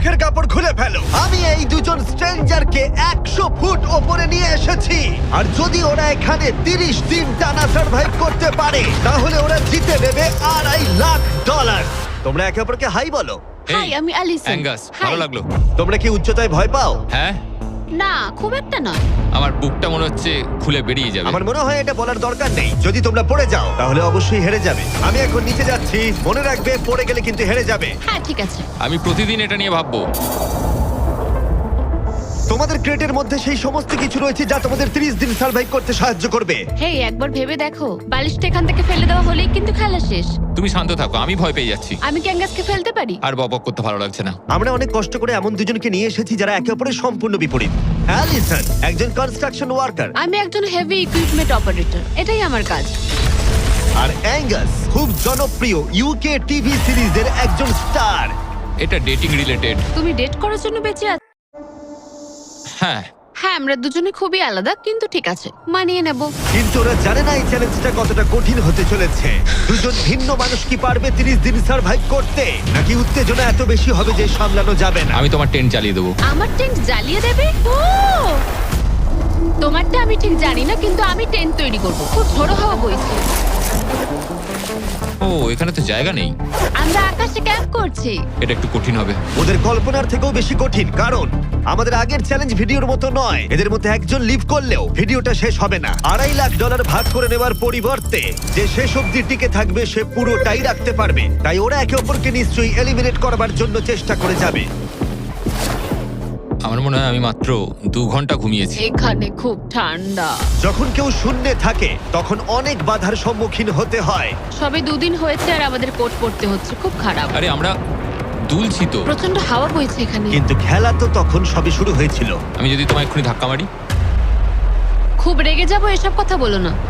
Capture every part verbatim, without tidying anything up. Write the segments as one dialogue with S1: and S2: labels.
S1: মুখের কাপড় খুলে ফেলো। আমি এই দুজন স্ট্রেঞ্জারকে একশো ফুট ওপরে নিয়ে এসেছি, আর যদি ওরা এখানে তিরিশ দিন টানা সার্ভাইভ করতে পারে তাহলে ওরা জিতে নেবে আড়াই লাখ ডলার। তোমরা একে অপরকে হাই বলো।
S2: হাই, আমি অ্যালিসন।
S3: অ্যাঙ্গাস, ভালো লাগলো।
S1: তোমরা কি উচ্চতায় ভয় পাও?
S3: হ্যাঁ,
S2: না, খুব একটা নয়।
S3: আমার বুকটা মনে হচ্ছে খুলে বেরিয়ে যাবে।
S1: আমার মনে হয় এটা বলার দরকার নেই। যদি তোমরা পড়ে যাও তাহলে অবশ্যই হেরে যাবে। আমি এখন নিচে যাচ্ছি, মনে রাখবে পড়ে গেলে কিন্তু হেরে যাবে।
S2: হ্যাঁ, ঠিক আছে।
S3: আমি প্রতিদিন এটা নিয়ে ভাববো।
S1: তোমাদের ক্রেটের মধ্যে সেই সমস্ত কিছু রয়েছে যা তোমাদের ত্রিশ দিন সার্ভাইভ করতে সাহায্য করবে।
S2: হেই, একবার ভেবে দেখো, বালিশটা এখান থেকে ফেলে দেওয়া হলেই কিন্তু খেলা শেষ।
S3: তুমি শান্ত থাকো, আমি ভয় পেয়ে যাচ্ছি।
S2: আমি ক্যাঙ্গাসকে ফেলতে পারি?
S3: আর বকবক করতে ভালো লাগছে না।
S1: আমরা অনেক কষ্ট করে এমন দুজনকে নিয়ে এসেছি যারা একে অপরের সম্পূর্ণ বিপরীত। অ্যালিসন একজন কনস্ট্রাকশন ওয়ার্কার,
S2: আমি একজন হেভি ইকুইপমেন্ট অপারেটর, এটাই আমার কাজ।
S1: আর অ্যাঙ্গাস খুব জনপ্রিয় ইউকে টিভি সিরিজের একজন স্টার।
S3: এটা ডেটিং রিলেটেড।
S2: তুমি ডেট করার জন্য বেঁচে আছো?
S3: হ্যাঁ,
S2: হ্যাঁ, আমরা দুজনে খুবই আলাদা, কিন্তু ঠিক আছে, মানিয়ে নেব।
S1: কিন্তু ওরা জানে না এই চ্যালেঞ্জটা কতটা কঠিন হতে চলেছে। দুজন ভিন্ন মানুষ কি পারবে তিরিশ দিন সার্ভাইভ করতে, নাকি উত্তেজনা এত বেশি হবে যে সামলানো যাবে না?
S3: আমি তোমার টেন্ট চালিয়ে দেবো।
S2: আমার টেন্ট জ্বালিয়ে দেবে? ও, তোমারটা আমি ঠিক জানি না, কিন্তু আমি টেন্ট তৈরি করব। খুব ঝোড়ো হাওয়া বইছে।
S3: ও, এখানে তো জায়গা নেই।
S2: আমরা আকাশে ক্যাম্প করছি।
S3: এটা একটু কঠিন হবে।
S1: ওদের কল্পনার থেকেও বেশি কঠিন, কারণ আমাদের আগের চ্যালেঞ্জ ভিডিওর মতো নয়। এদের মধ্যে একজন লিভ করলেও ভিডিওটা শেষ হবে না। আড়াই লাখ ডলার ভাগ করে নেওয়ার পরিবর্তে যে শেষ অবধি টিকে থাকবে সে পুরোটাই রাখতে পারবে। তাই ওরা একে অপরকে নিশ্চয়ই এলিমিনেট করবার জন্য চেষ্টা করে যাবে।
S3: আমার মনে হয় আমি মাত্র দু ঘন্টা ঘুমিয়েছি।
S2: এখানে খুব ঠান্ডা।
S1: যখন কেউ শূন্যে থাকে তখন অনেক বাধার সম্মুখীন হতে হয়।
S2: সবে দুদিন হয়েছে আর আমাদের কোট পড়তে হচ্ছে, খুব খারাপ।
S3: আরে আমরা দুলছি তো।
S2: প্রচন্ড হাওয়া বইছে এখানে।
S1: কিন্তু খেলা তো তখন সবে শুরু হয়েছিল।
S3: আমি যদি তোমায় এক্ষুনি ধাক্কা মারি?
S2: খুব রেগে যাবো, এসব কথা বলো না।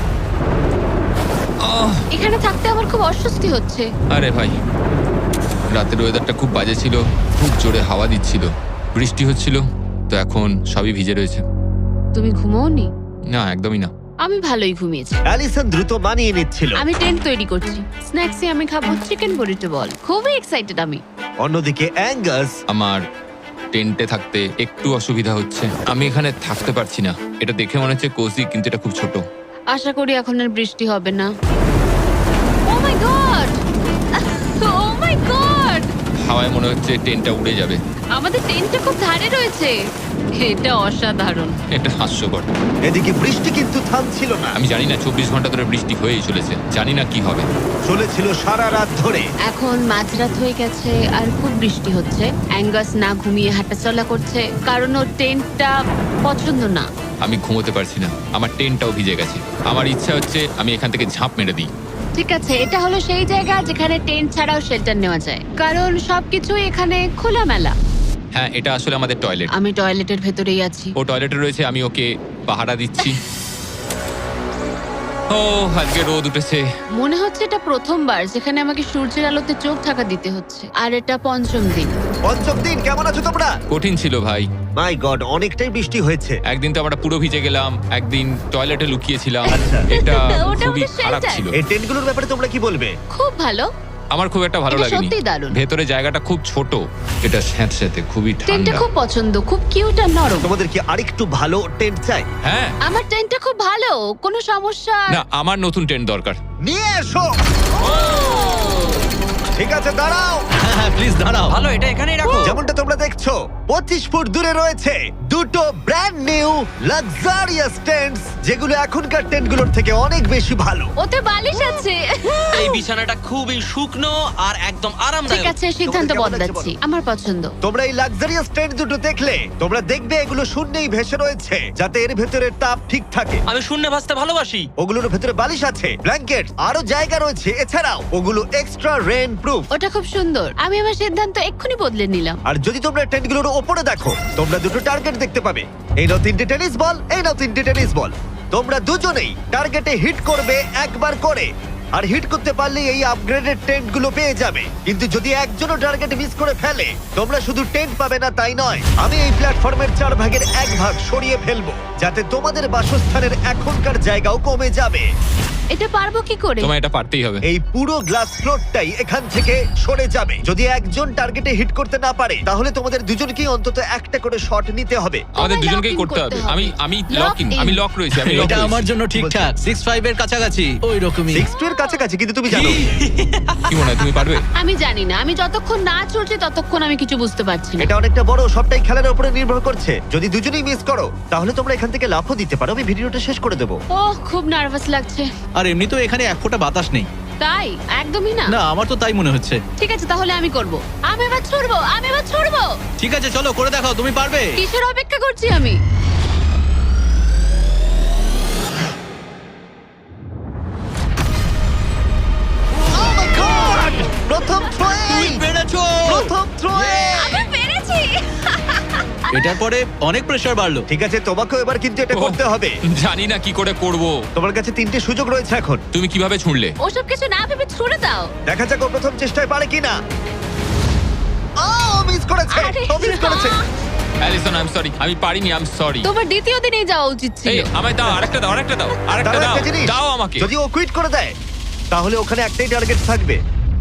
S3: আহ,
S2: এখানে থাকতে আমার খুব অস্বস্তি হচ্ছে।
S3: আরে ভাই, রাতের ওয়েদারটা খুব বাজে ছিল, খুব জোরে হাওয়া দিচ্ছিল, বৃষ্টি হচ্ছিল, তো এখন সবই ভিজে রয়েছে।
S2: তুমি ঘুমোওনি?
S3: না, একদমই না।
S2: আমি ভালোই ঘুমিয়েছি।
S1: অ্যালিসন দ্রুত মানিয়ে নিচ্ছিল।
S2: আমি টেন্ট তৈরি করছি। স্ন্যাক্সে আমি খাবো চিকেন বুরিটো বল। খুবই এক্সাইটেড আমি।
S1: অন্যদিকে অ্যাঙ্গাস
S3: আমার টেন্টে থাকতে একটু অসুবিধা হচ্ছে। আমি এখানে থাকতে পারছি না। এটা দেখে মনে হচ্ছে কোজি, কিন্তু এটা খুব ছোট।
S2: আশা করি এখন আর বৃষ্টি হবে না। Oh my god! Oh my god!
S3: হাওয়ায় মনে হচ্ছে টেন্টটা উড়ে যাবে।
S2: আমাদের টেন্টটা খুব ধারে রয়েছে। এটা অসাধারণ।
S3: এটা হাস্যকর।
S1: এদিকে বৃষ্টি কিন্তু থামছিল না।
S3: আমি জানি না, চব্বিশ ঘন্টা ধরে বৃষ্টি হয়েই চলেছে। জানি না কি হবে।
S1: চলেছিল সারা রাত ধরে।
S2: এখন মাঝরাত হয়ে গেছে আর খুব বৃষ্টি হচ্ছে। অ্যাঙ্গাস না ঘুমিয়ে হাঁটাচলা করছে, কারণ ওর টেন্টটা পছন্দ না।
S3: আমি ঘুমোতে পারছি না, আমার টেন্টটাও ভিজে গেছে। আমার ইচ্ছা হচ্ছে আমি এখান থেকে ঝাঁপ মেরে দিই।
S2: ঠিক আছে, এটা হলো সেই জায়গা যেখানে টেন্ট ছাড়াও শেল্টার নেওয়া যায়, কারণ সবকিছুই এখানে খোলামেলা।
S3: হ্যাঁ, এটা আসলে আমাদের টয়লেট।
S2: আমি টয়লেটের ভেতরেই আছি।
S3: ও টয়লেটে রয়েছে, আমি ওকে পাহারা দিচ্ছি। ও, আজকে রোদ উঠেছে।
S2: মনে হচ্ছে এটা প্রথমবার যেখানে আমাকে সূর্যের আলোতে চোখ ঢাকা দিতে হচ্ছে, আর এটা পঞ্চম দিন।
S1: পঞ্চম দিন, কেমন আছো তোমরা?
S3: কঠিন ছিল ভাই।
S1: মাই গড, অনেকটাই বৃষ্টি হয়েছে।
S3: একদিন তো আমরা পুরো ভিজে গেলাম, একদিন টয়লেটে লুকিয়েছিলাম।
S1: আচ্ছা।
S3: এটা
S2: ওটা
S3: খুবই
S2: আমাদের
S3: খারাপ
S2: shelter।
S3: ছিল।
S1: এই টেন্টগুলোর ব্যাপারে তোমরা কি বলবে?
S2: খুব ভালো।
S3: আমার খুব একটা ভালো
S2: এটা
S3: লাগেনি।
S2: সত্যিই দারুণ।
S3: ভেতরে জায়গাটা খুব ছোট, এটা স্যাঁতস্যাঁতে, খুবই
S2: টেন্টটা
S3: ঠান্ডা।
S2: খুব পছন্দ, খুব কিউট আর নরম।
S1: তোমাদের কি আরেকটু ভালো টেন্ট চাই?
S3: হ্যাঁ,
S2: আমার টেন্টটা খুব ভালো, কোনো সমস্যা।
S3: না, আমার নতুন টেন্ট দরকার।
S1: নিয়ে এসো। ঠিক আছে, দাঁড়াও।
S4: হ্যাঁ প্লিজ দাঁড়াও। ভালো, এটা এখানেই রাখো।
S1: যেমনটা তোমরা দেখছো পঁচিশ ফুট দূরে রয়েছে দুটো ব্র্যান্ড নিউ লাক্সারিয়াস টেন্টস, যেগুলো এখনকার টেন্টগুলোর থেকে অনেক বেশি ভালো।
S2: ওতে বালিশ আছে।
S4: এই বিছানাটা খুবই শুকনো আর একদম
S2: ঠিক
S4: আরামদায়ক।
S2: আছে, সিদ্ধান্ত
S1: তোমাদের কেমন লাগছে
S2: বদলাচ্ছি।
S1: বলো?
S2: আমার পছন্দ।
S1: তোমরা এই লাক্সারিয়াস টেন্ট দুটো দেখলে তোমরা দেখবে এগুলো শূন্যেই ভেসে রয়েছে, যাতে এর ভেতরে তাপ ঠিক থাকে।
S4: আমি শূন্যে ভাসতে ভালোবাসি।
S1: ওগুলোর ভেতরে বালিশ আছে, ব্ল্যাঙ্কেট, আরো জায়গা রয়েছে। এছাড়াও ওগুলো এক্সট্রা রেন প্রুফ।
S2: ওটা খুব সুন্দর। আমি আমার সিদ্ধান্ত এক্ষুনি বদলে নিলাম।
S1: আর যদি তোমরা টেন্টগুলোর ওপরে দেখো, তোমরা দুটো টার্গেট দেখতে পাবে। এই নাও তিনটে টেনিস বল, এই নাও তিনটে টেনিস বল। তোমরা দুজনেই টার্গেটে হিট করবে একবার করে, আর হিট করতে পারলেই এই আপগ্রেডেড টেন্টগুলো পেয়ে যাবে। কিন্তু যদি একজনও টার্গেট মিস করে ফেলে, তোমরা শুধু টেন্ট পাবে না তাই নয়, আমি এই প্ল্যাটফর্মের চার ভাগের এক ভাগ সরিয়ে ফেলবো, যাতে তোমাদের বাসস্থানের এখনকার জায়গাও কমে যাবে।
S2: এটা পারবো কি করে?
S3: তোমায় এটা পারতেই হবে।
S1: এই পুরো গ্লাস ফ্লোরটাই এখান থেকে সরে যাবে। যদি একজন টার্গেটে হিট করতে না পারে তাহলে তোমাদের দুজনকেই অন্তত একটা করে শট নিতে হবে।
S3: আমাদের
S2: তোমায়
S3: দুজনকেই
S2: lock in
S3: করতে হবে।
S2: করতে হবে।
S3: আমি আমি
S2: Lock
S3: লক ইন
S2: in।
S3: আমি লক রয়েছি আমি লক
S5: এটা আমার
S3: রয়েছি।
S5: জন্য ঠিকঠাক সিক্স ফাইভ এর কাছাকাছি ওই রকমই।
S1: সিক্স টু এর কাছাকাছি, কিন্তু তুমি জানো
S3: কি মনে হয় তুমি পারবে?
S2: আমি জানি না, আমি যতক্ষণ না চলছে ততক্ষণ আমি কিছু বুঝতে পারছি না।
S1: এটা অনেকটা বড়, সবটাই খেলার উপরে নির্ভর করছে। যদি দুজনেই মিস করো তাহলে তোমরা এখান থেকে লাফও দিতে পারো। আমি ভিডিওটা শেষ করে দেবো।
S2: ওহ, খুব নার্ভাস লাগছে।
S5: আর এমনি তো এখানে এক ফোঁটা বাতাস নেই।
S2: তাই? একদমই না।
S5: না আমার তো তাই মনে হচ্ছে।
S2: ঠিক আছে, তাহলে আমি করব। আমি এবার ছুড়বো, আমি এবার ছুড়বো।
S5: ঠিক আছে চলো করে দেখাও, তুমি পারবে।
S2: কিসের অপেক্ষা করছি আমি?
S1: Oh my God! প্রথম থ্রোয়ে
S5: পেরেছো।
S1: প্রথম থ্রোয়ে
S2: আমি পেরেছি।
S5: এটার পরে অনেক প্রেসার বাড়লো।
S1: ঠিক আছে, তোমাকেও এবার কিন্তু এটা
S3: ওহ,
S1: করতে হবে।
S3: জানি না কি করে করব।
S1: তোমার কাছে তিনটে সুযোগ রয়েছে এখন।
S3: তুমি কিভাবে ছুঁড়লে?
S2: ওসব কিছু না ভেবে ছুড়ে দাও।
S1: দেখা যাক ও প্রথম চেষ্টায় পারে কিনা। ও মিস করেছে,
S2: আরে
S1: ও মিস করেছে।
S2: না।
S3: Allison I am sorry. আমি পারিনি, আই এম সরি।
S2: তোমার দ্বিতীয় দিনেই যাওয়া উচিত ছিল।
S3: এই আমায় দাও আরেকটা দাও আরেকটা দাও আরেকটা
S1: দাঁড়াও,
S3: দাও
S1: একটা জিনিস।
S3: দাও আমাকে।
S1: যদি ও কুইট করে দেয় তাহলে ওখানে একটাই টার্গেট থাকবে।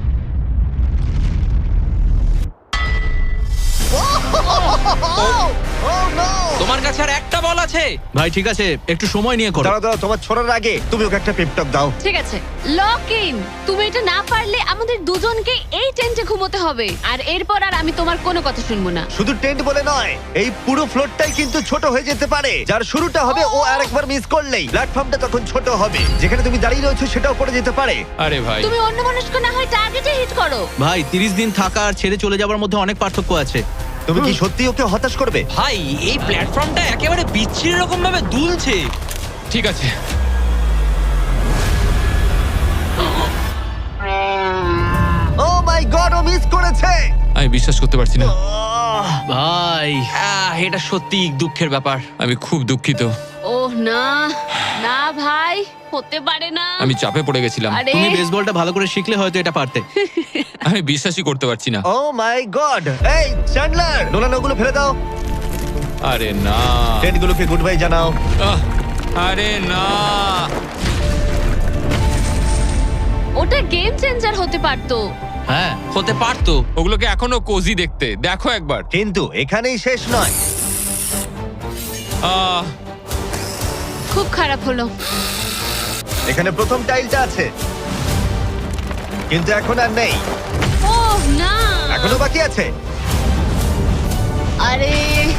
S1: Oh no!
S4: তোমার কাছে আর একটা বল আছে।
S5: ভাই ঠিক আছে একটু সময় নিয়ে করো।
S1: দাঁড়াও দাঁড়াও, তোমার ছোড়ার আগে তুমি ওকে একটা পেপটক দাও।
S2: ঠিক আছে, লক ইন। তুমি এটা না পারলে আমাদের দুজনকে এই টেন্টে ঘুমোতে হবে। আর এরপর আর আমি তোমার কোনো কথা শুনবো না।
S1: শুধু টেন্ট বলে নয়, এই পুরো ফ্লোরটাই কিন্তু ছোট হয়ে যেতে পারে। যার শুরুটা হবে ও আরেকবার মিস করলেই প্ল্যাটফর্মটা তখন ছোট হবে। যেখানে তুমি দাঁড়িয়ে রয়েছো সেটাও পড়ে যেতে পারে।
S3: আরে ভাই
S2: তুমি অন্য মনস্ক না হয় টার্গেটে হিট করো।
S5: ভাই তিরিশ দিন থাকা আর ছেড়ে চলে যাওয়ার মধ্যে অনেক পার্থক্য আছে।
S1: তুমি কি সত্যি ওকে হতাশ করবে?
S4: ভাই এই প্ল্যাটফর্মটা একেবারে বিচ্ছিরি রকম ভাবে দুলছে।
S3: ঠিক আছে।
S1: ও মাই গড, ও মিস করেছে।
S3: আমি বিশ্বাস করতে পারছি না।
S1: আহ,
S5: ভাই
S4: আহ, এটা সত্যি দুঃখের ব্যাপার।
S3: আমি খুব দুঃখিত।
S2: ওহ না, না ভাই, হতে পারে না।
S3: আমি চাপে পড়ে গেছিলাম।
S2: আরে
S5: তুমি বেসবলটা ভালো করে শিখলে হয়তো এটা পারতে।
S3: আমি বিশ্বাসই করতে পারছি না।
S1: Oh my god. এই চ্যান্ডলার, নোলান ওগুলো ফেলে দাও।
S3: আরে না।
S1: টেন্টগুলোকে গুড বাই জানাও।
S3: আহ, আরে না।
S2: ওটা গেম চেঞ্জার হতে পারতো।
S5: হ্যাঁ
S4: হতে পারতো।
S3: ওগুলোকে এখনো কোজি দেখতে দেখো একবার।
S1: কিন্তু এখানেই শেষ নয়।
S3: আহ,
S2: খুব খারাপ হলো।
S1: এখানে প্রথম টাইলটা আছে, কিন্তু এখন আর নেই।
S2: ওহ না।
S1: এখনো বাকি আছে।
S2: আরে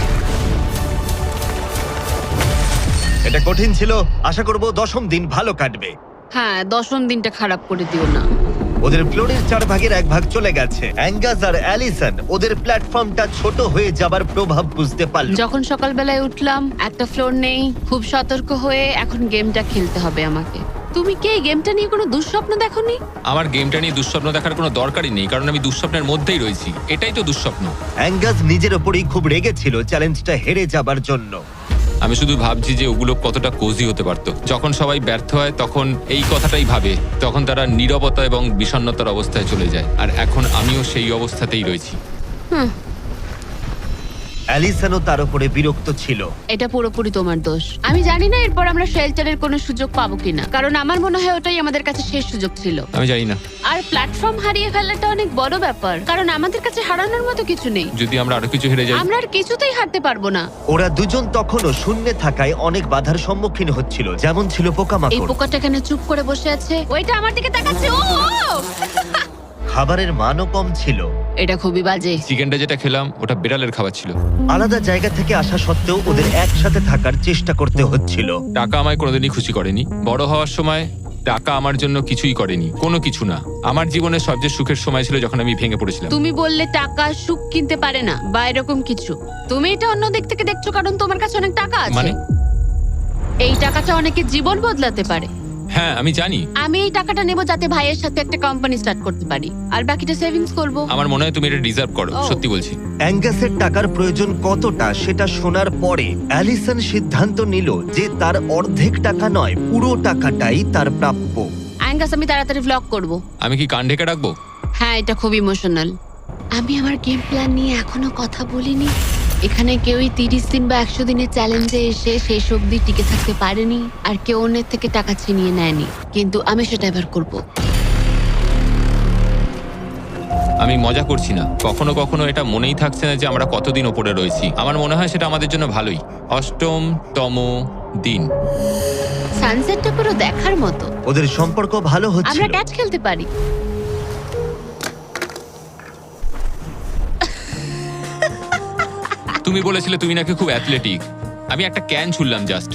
S1: এটা কঠিন ছিল। আশা করব দশম দিন ভালো কাটবে।
S2: হ্যাঁ, দশম দিনটা খারাপ করে দিও না।
S1: ওদের ফ্লোরের চার ভাগের এক ভাগ চলে গেছে। অ্যাঙ্গাস আর অ্যালিসন ওদের প্ল্যাটফর্মটা ছোট হয়ে যাবার প্রভাব বুঝতে পারল।
S2: যখন সকালবেলায় উঠলাম, একটা ফ্লোর নেই। খুব সতর্ক হয়ে এখন গেমটা খেলতে হবে আমাকে। তুমি কি এই গেমটা নিয়ে কোনো দুঃস্বপ্ন দেখোনি?
S3: আমার গেমটা নিয়ে দুঃস্বপ্ন দেখার কোনো দরকারই নেই, কারণ আমি দুঃস্বপ্নের মধ্যেই রয়েছি। এটাই তো দুঃস্বপ্ন।
S1: অ্যাঙ্গাস নিজের ওপরেই খুব রেগেছিল চ্যালেঞ্জটা হেরে যাবার জন্য।
S3: আমি শুধু ভাবছি যে ওগুলো কতটা কোজি হতে পারতো। যখন সবাই ব্যর্থ হয় তখন এই কথাটাই ভাবে, তখন তারা নীরবতা এবং বিষণ্ণতার অবস্থায় চলে যায়। আর এখন আমিও সেই অবস্থাতেই রয়েছি।
S2: হুম,
S1: অ্যালিসনও তার উপরে বিরক্ত ছিল।
S2: এটা পুরোপুরি তোমার দোষ। আমি জানি না এরপর আমরা শেল্টারের কোনো সুযোগ পাবো কিনা, কারণ আমার মনে হয় ওটাই আমাদের কাছে শেষ সুযোগ ছিল।
S3: আমি জানি না।
S2: আর প্ল্যাটফর্ম হারিয়ে ফেলাটা অনেক বড় ব্যাপার, কারণ আমাদের কাছে হারানোর মতো কিছু নেই।
S3: যদি আমরা আরো কিছু হেরে যাই।
S2: আমরা আর কিছুতেই হারতে পারবো না।
S1: ওরা দুজন তখনও শূন্যে থাকায় অনেক বাধার সম্মুখীন হচ্ছিল, যেমন ছিল
S2: এই
S1: পোকামাকড়।
S2: পোকাটা এখানে চুপ করে বসে আছে, ওইটা আমার দিকে তাকাচ্ছে। ও ও!
S1: খাবারের মানও কম ছিল।
S2: এটা খুবই বাজে।
S3: চিকেনটা যেটা খেলাম ওটা বিড়ালের খাবার ছিল।
S1: আলাদা জায়গা থেকে আসা সত্ত্বেও ওদের একসাথে থাকার চেষ্টা করতে হচ্ছিল।
S3: টাকা আমায় কোনোদিনই খুশি করেনি। বড় হওয়ার সময় টাকা আমার জন্য কিছুই করেনি, কোনো কিছু না। আমার জীবনের সবচেয়ে সুখের সময় ছিল যখন আমি ভেঙে পড়েছিলাম।
S2: তুমি বললে টাকা সুখ কিনতে পারে না বা এরকম কিছু। তুমি এটা অন্য দিক থেকে দেখছো কারণ তোমার কাছে অনেক টাকা আছে।
S3: মানে?
S2: এই টাকাটা অনেকের জীবন বদলাতে পারে।
S3: হ্যাঁ আমি জানি।
S2: আমি এই টাকাটা নেব যাতে ভাইয়ের সাথে একটা কোম্পানি স্টার্ট করতে পারি, আর বাকিটা সেভিংস করব।
S3: আমার মনে হয় তুমি এটা ডিজার্ভ করো,
S2: ও।
S3: সত্যি বলছি।
S1: অ্যাঙ্গাসের টাকার প্রয়োজন কতটা সেটা শোনার পরে অ্যালিসন সিদ্ধান্ত নিল যে তার অর্ধেক টাকা নয়, পুরো টাকাটাই তার প্রাপ্য।
S2: অ্যাঙ্গাস, আমি তাড়াতাড়ি ভ্লগ করব।
S3: আমি কি কান ঢেকে রাখবো?
S2: হ্যাঁ, এটা খুব ইমোশনাল। আমি আমার গেম প্ল্যান নিয়ে এখনো কথা বলিনি। এখানে কেউই তিরিশ দিন বা একশো দিনের চ্যালেঞ্জে এসে শেষ অবধি টিকে থাকতে পারেনি, আর কেউ অন্যের থেকে টাকা ছিনিয়ে নেয়নি। কিন্তু আমি সেটা এবার করব।
S3: আমি মজা করছি না, কখনো কখনো এটা মনেই থাকছে না যে আমরা কতদিন ওপরে রয়েছি। আমার মনে হয় সেটা আমাদের জন্য ভালোই। অষ্টমতম দিন।
S2: সানসেটটা পুরো দেখার মতো।
S1: ওদের সম্পর্ক ভালো
S2: আমরা
S1: হচ্ছিল।
S2: ক্যাচ খেলতে পারি।
S3: তুমি বলেছিলে তুমি নাকি খুব অ্যাথলেটিক। আমি একটা ক্যান ছুড়লাম জাস্ট।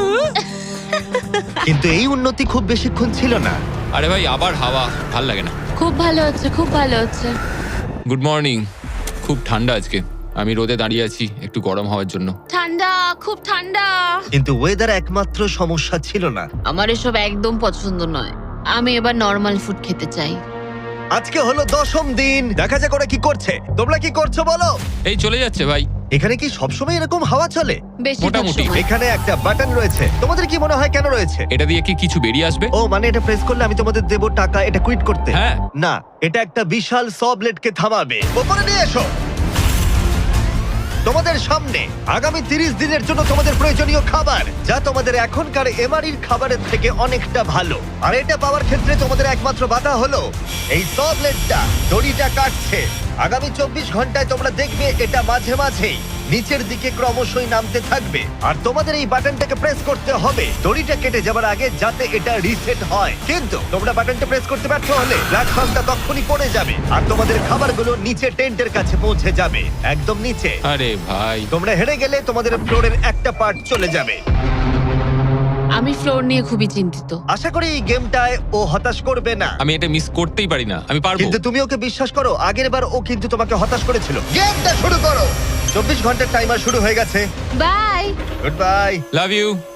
S1: কিন্তু এই উন্নতি খুব বেশিক্ষণ ছিল না।
S3: আরে ভাই আবার হাওয়া, ভাল লাগে না।
S2: খুব ভালো হচ্ছে, খুব ভালো হচ্ছে।
S3: Good morning. খুব ঠান্ডা আজকে। আমি রোদে দাঁড়িয়ে আছি একটু গরম হওয়ার জন্য।
S2: ঠান্ডা, খুব ঠান্ডা।
S1: কিন্তু ওয়েদার একমাত্র সমস্যা ছিল না।
S2: আমার এসব একদম পছন্দ নয়। আমি এবার নর্মাল ফুড খেতে চাই।
S1: আজকে হলো দশম দিন, দেখা যাক ওরা কি করছে। তোমরা কি করছো বলো?
S3: এই চলে যাচ্ছে ভাই।
S1: এখানে কি সবসময় এরকম হাওয়া চলে?
S2: বেশিরভাগ
S3: মোটামুটি।
S2: সময়।
S1: এখানে একটা বাটন রয়েছে, তোমাদের কি মনে হয় কেন রয়েছে?
S3: এটা দিয়ে কি কিছু বেরিয়ে আসবে?
S1: ও মানে এটা প্রেস করলে আমি তোমাদের দেবো টাকা এটা কুইট করতে?
S3: হ্যাঁ।
S1: না, এটা একটা বিশাল স ব্লেডকে থামাবে। ওপরে নিয়ে এসো। তোমাদের সামনে আগামী তিরিশ দিনের জন্য তোমাদের প্রয়োজনীয় খাবার, যা তোমাদের এখনকার এমআরির খাবারের থেকে অনেকটা ভালো। আর এটা পাওয়ার ক্ষেত্রে তোমাদের একমাত্র বাধা হলো এই স ব্লেডটা দড়িটা কাটছে। আগামী চব্বিশ ঘন্টায় তোমরা দেখবে এটা মাঝে মাঝেই নিচের দিকে ক্রমশই নামতে থাকবে। আর তোমাদের এই বাটনটাকে প্রেস করতে হবে দড়িটা কেটে যাবার আগে, যাতে এটা রিসেট হয়। কিন্তু তোমরা বাটনটা প্রেস করতে ব্যর্থ হলে প্ল্যাটফর্মটা তখনই পড়ে যাবে আর তোমাদের খাবারগুলো নিচে টেন্টের কাছে পৌঁছে যাবে, একদম নিচে।
S3: আরে ভাই।
S1: তোমরা হেরে গেলে তোমাদের ফ্লোরের একটা পার্ট চলে যাবে।
S2: আমি ফ্লোর নিয়ে খুবই চিন্তিত।
S1: আশা করি এই গেমটায় ও হতাশ করবে না।
S3: আমি এটা মিস করতেই পারি না, আমি পারবো।
S1: কিন্তু তুমি ওকে বিশ্বাস করো, আগের বার ও কিন্তু তোমাকে হতাশ করেছিল। গেমটা শুরু করো। চব্বিশ ঘন্টার টাইমার শুরু হয়ে গেছে।
S2: Bye.
S1: Good bye.
S3: Love you.